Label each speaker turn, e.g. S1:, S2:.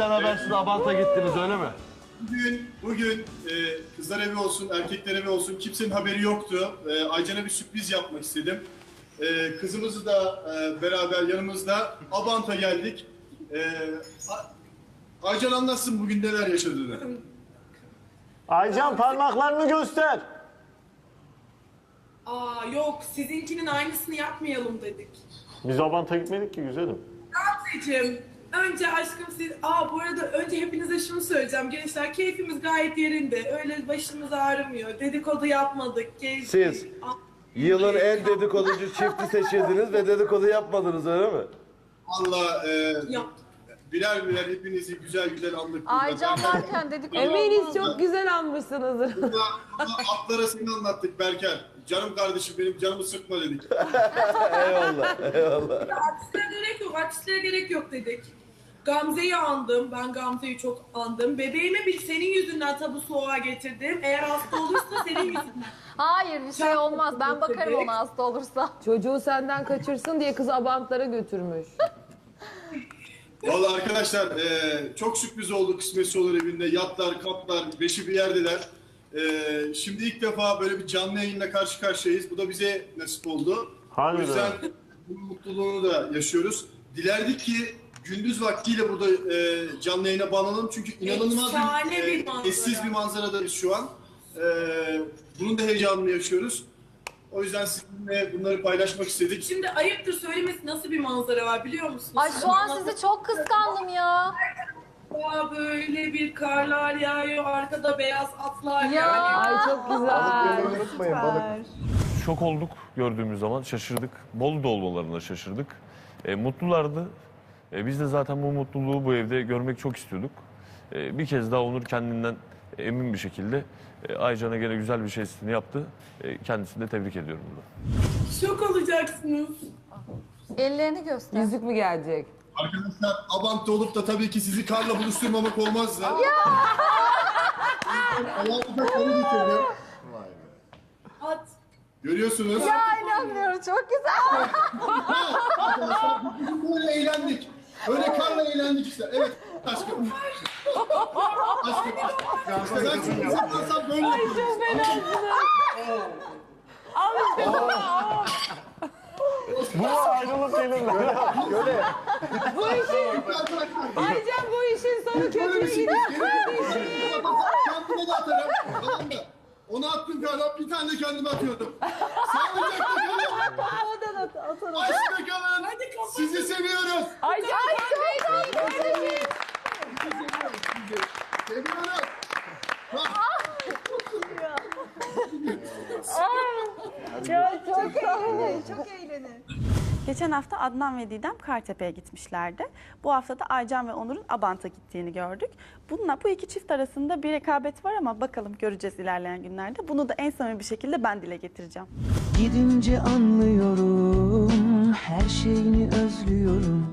S1: Bizden habersiz Abant'a gittiniz öyle mi?
S2: Bugün kızlar evi olsun, erkekler evi olsun kimsenin haberi yoktu. Aycan'a bir sürpriz yapmak istedim. Kızımızı da beraber yanımızda Abant'a geldik. Aycan anlatsın bugün neler yaşadığını.
S1: Aycan parmaklarını göster.
S3: Aa yok, sizinkinin aynısını yapmayalım dedik.
S1: Biz Abant'a gitmedik ki güzelim.
S3: Gamzeciğim, önce aşkım siz... bu arada önce hepinize şunu söyleyeceğim. Gençler keyfimiz gayet yerinde. Öyle başımız ağrımıyor. Dedikodu yapmadık. Gezdik.
S4: Siz yılın en dedikoducu çifti seçildiniz ve dedikodu yapmadınız öyle mi?
S2: Valla
S3: Yaptık.
S2: birer birer hepinizi güzel güzel andık.
S5: Aycan varken dedik.
S6: Eminiz çok güzel anmışsınızdır.
S2: Burada atlara seni anlattık Berker. Canım kardeşim benim canımı sıkma dedik.
S4: Eyvallah, eyvallah.
S3: Artistlere gerek yok dedik. Gamze'yi andım. Ben Gamze'yi çok andım. Bebeğimi senin yüzünden tabu soğuğa getirdim. Eğer hasta olursa senin yüzünden.
S5: Hayır bir şey olmaz. Ben bakarım ona hasta olursa.
S6: Çocuğu senden kaçırsın diye kız Abantlara götürmüş.
S2: Valla arkadaşlar çok sürpriz oldu kısmetse olur evinde. Yatlar, kaplar, beşi bir yerdeler. Şimdi ilk defa böyle bir canlı yayınla karşı karşıyayız. Bu da bize nasip oldu.
S1: Harbiden.
S2: O yüzden bunun mutluluğunu da yaşıyoruz. Dilerdik ki gündüz vaktiyle burada canlı yayına bağlanalım. Çünkü inanılmaz
S3: Efsane bir manzara.
S2: eşsiz bir manzaradayız şu an. Bunun da heyecanını yaşıyoruz. O yüzden sizinle bunları paylaşmak istedik.
S3: Şimdi ayıptır söylemesi nasıl bir manzara var biliyor musunuz?
S5: Ay şu an sizi çok kıskandım ya.
S3: Böyle bir karlar yağıyor, arkada beyaz atlar
S5: Ya.
S6: Ay çok güzel.
S4: Unutmayın balık.
S7: Şok olduk gördüğümüz zaman, şaşırdık. Bolu'da olmalarına şaşırdık. Mutlulardı. Biz de zaten bu mutluluğu bu evde görmek çok istiyorduk. Bir kez daha Onur kendinden emin bir şekilde Aycan'a gene güzel bir şeysini yaptı. Kendisini de tebrik ediyorum burada.
S3: Şok olacaksınız.
S5: Ellerini göster.
S6: Yüzük mü gelecek?
S2: Arkadaşlar Abant'ta olup da tabii ki sizi karla buluşturmamak olmazdı. Ya! Ayağımıza karı getirdim.
S3: At.
S2: Görüyorsunuz.
S5: Ya inanmıyorum çok güzel.
S2: Arkadaşlar bugün böyle eğlendik. Böyle karla eğlendik işte. Evet aşkım. Aşkım. İşte ben şimdi yaparsam böyle yaparım.
S1: Bu ayrılık gelirler.
S6: Aycan bu işin sonu kötü gidiyor.
S2: Kendime de atarım. Tamam mı? Onu attım karla bir tane de kendime atıyordum. Sağlıcakla kalın. Aşkla kalın. Sizi seviyoruz.
S6: Aycan çok
S2: Seviyoruz.
S8: Geçen hafta Adnan ve Didem Kartepe'ye gitmişlerdi. Bu hafta da Aycan ve Onur'un Abant'a gittiğini gördük. Bu iki çift arasında bir rekabet var ama bakalım göreceğiz ilerleyen günlerde. Bunu da en samimi bir şekilde ben dile getireceğim.
S9: Gidince anlıyorum, her şeyini özlüyorum.